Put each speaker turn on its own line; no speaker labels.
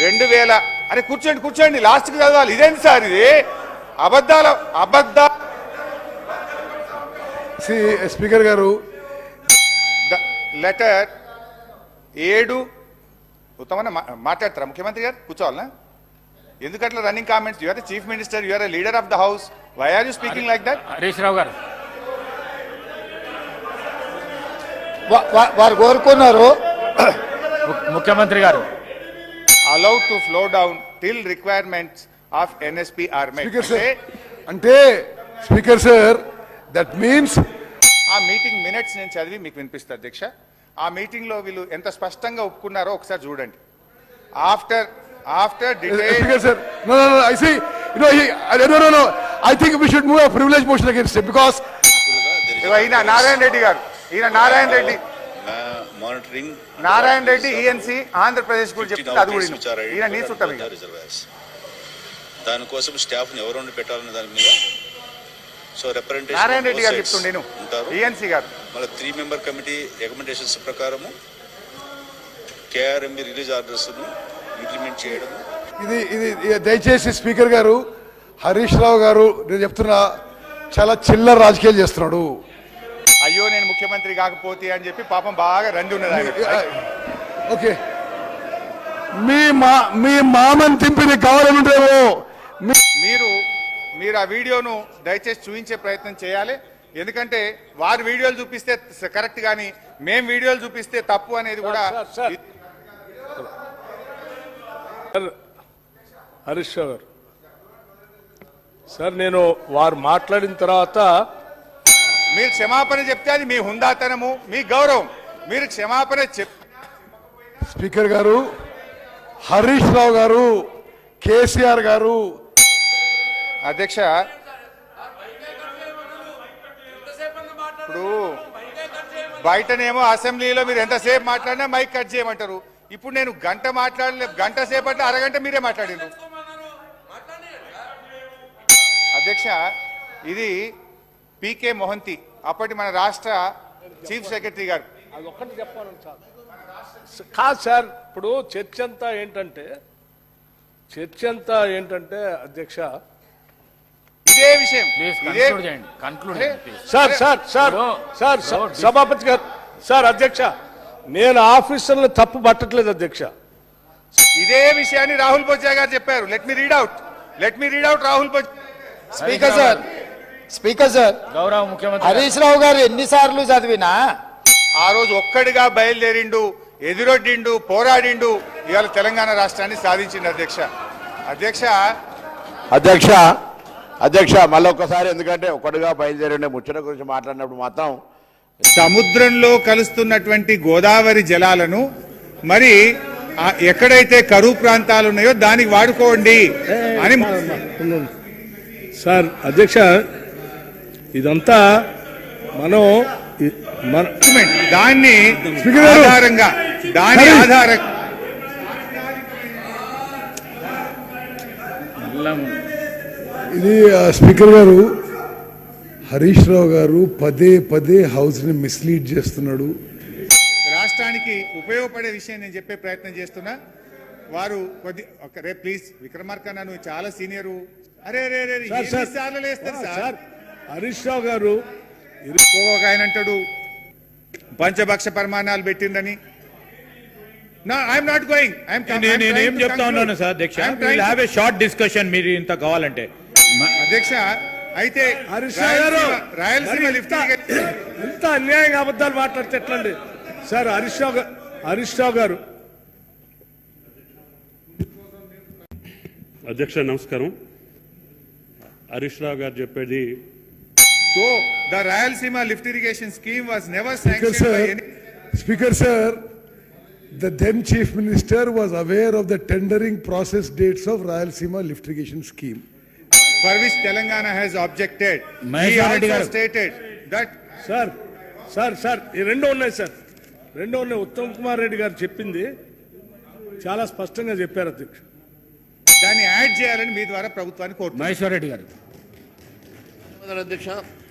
2000 అరే కూర్చోండి కూర్చోండి లాస్ట్కి చదవాలి. ఇదేంటి సార్ ఇది? అబద్ధ
స్పీకర్ గారు
లెటర్ 7 ఉత్తమన్న మాట్లాడతారా ముఖ్యమంత్రి గారు? కూర్చోవాలనా? ఎందుకట్లా running comments? You are the chief minister, you are the leader of the house, why are you speaking like that?
Harish Rao గారు
వారు కోరుకున్నారు
ముఖ్యమంత్రి గారు
allowed to flow down till requirements of NSP are met.
అంటే స్పీకర్ సార్ దట్ మీన్స్
ఆ meeting minutes నేను చదివి మీకు వినిపిస్తా అధ్యక్ష. ఆ మీటింగ్ లో వీళ్ళు ఎంత స్పష్టంగా ఒప్పుకున్నారో ఒకసారి చూడండి. After
Speaker sir, no, I see, no, I think we should move a privilege motion against him because
ఈయన నారాయణ రెడ్డి గారు,
మానిటరింగ్
నారాయణ రెడ్డి ఈఎన్సీ ఆంధ్రప్రదేశ్ గురించి చెప్తే అది కూడా ఈయన నీ చుట్టం.
దానికోసం స్టాఫ్ ని ఎవరు పెట్టాలనే దాని మీద సో రిప్రజెంటేషన్
నారాయణ రెడ్డి గారు చెప్తుండే ఈఎన్సీ గారు.
మళ్ళీ 3 మెంబర్ కమిటీ రికమెండేషన్స్ ప్రకారము కేఆర్ఎంబి రిలీజ్ ఆర్డర్స్ ను ఇంప్లిమెంట్ చేయడం.
ఇది దయచేసి స్పీకర్ గారు, హరీష్ రావు గారు నేను చెప్తున్నా చాలా చిల్లర రాజకీయాలు చేస్తున్నాడు.
అయ్యో నేను ముఖ్యమంత్రి కాకపోతే అని చెప్పి పాపం బాగా రంది ఉన్నది ఆయన.
ఓకే, మీ మామని తింపి కావాలనుంటేమో
మీరు ఆ వీడియోను దయచేసి చూపించే ప్రయత్నం చేయాలి. ఎందుకంటే వారు వీడియోలు చూపిస్తే కరెక్ట్ కానీ మేం వీడియోలు చూపిస్తే తప్పు అనేది కూడా.
హరీష్ రావు గారు సార్, నేను వారు మాట్లాడిన తర్వాత
మీరు క్షమాపణ చెప్తే అది మీ హుందాతనము, మీ గౌరవం. మీరు క్షమాపణ
స్పీకర్ గారు, హరీష్ రావు గారు, కేసీఆర్ గారు.
అధ్యక్ష ఇప్పుడు బయటనేమో అసెంబ్లీలో మీరు ఎంతసేపు మాట్లాడినా మైక్ కట్ చేయమంటారు. ఇప్పుడు నేను గంట సేపట్లో అరగంట మీరే మాట్లాడిండ్రు. అధ్యక్ష ఇది పీకే మొహంతి, అప్పటి మన రాష్ట్ర చీఫ్ సెక్రటరీ గారు.
అది ఒక్కటి చెప్పాలని కాదు సార్. ఇప్పుడు చర్చ అంతా ఏంటంటే అధ్యక్ష
ఇదే విషయం.
సార్ సభాపతి గారు, సార్ అధ్యక్ష నేను ఆఫీసర్లు తప్పు పట్టట్లేదు అధ్యక్ష.
ఇదే విషయాన్ని రాహుల్ బొజ్జా గారు చెప్పారు. Let me read out Rahul Bojja.
Speaker sir
గౌరవ ముఖ్యమంత్రి
హరీష్ రావు గారు ఎన్నిసార్లు చదివినా
ఆ రోజు ఒక్కడిగా బయలుదేరిండు, ఎదురొడ్డిండు, పోరాడిండు, ఇవాళ తెలంగాణ రాష్ట్రాన్ని సాధించిండు.
అధ్యక్ష మళ్ళీ ఒక్కసారి, ఎందుకంటే ఒక్కడిగా బయలుదేరి ముచ్చట గురించి మాట్లాడినప్పుడు మాత్రం
సముద్రంలో కలుస్తున్నటువంటి గోదావరి జలాలను మరి ఎక్కడైతే కరువు ప్రాంతాలు ఉన్నాయో దానికి వాడుకోండి అని.
సార్ అధ్యక్ష ఇదంతా మనం
దాని ఆధారంగా
ఇది స్పీకర్ గారు, హరీష్ రావు గారు పదే హౌస్ ని మిస్లీడ్ చేస్తున్నాడు.
రాష్ట్రానికి ఉపయోగపడే విషయం నేను చెప్పే ప్రయత్నం చేస్తున్నా. వారు రే ప్లీజ్ విక్రమార్క, నువ్వు చాలా సీనియరు.
సార్ హరీష్ రావు గారు
ఒక ఆయన అంటాడు పంచభక్ష పరిమాణాలు పెట్టిందని.
నేనేం చెప్తా ఉన్నాను సార్ అధ్యక్ష, హ్యావ్ ఏ షార్ట్ డిస్కషన్ మీరు ఇంత కావాలంటే.
అధ్యక్ష అయితే రాయలసీమ లిఫ్ట్
ఎంత అన్యాయంగా అబద్ధాలు మాట్లాడితే ఎట్లండి సార్? హరీష్ రావు గారు.
అధ్యక్ష నమస్కారం. హరీష్ రావు గారు చెప్పేది
the Rayalaseema lift irrigation scheme was never sanctioned by any.
Speaker sir, the then Chief Minister was aware of the tendering process dates of Rayalaseema lift irrigation scheme,
for which Telangana has objected. He also stated that
sir ఈ రెండు ఉన్నాయి sir, Uttam Kumar Reddy గారు చెప్పింది చాలా స్పష్టంగా చెప్పారు అధ్యక్ష.
దాన్ని యాడ్ చేయాలని మీ ద్వారా ప్రభుత్వాన్ని కోరుతున్నారు.
మహేశ్వర్ రెడ్డి గారు.
అధ్యక్ష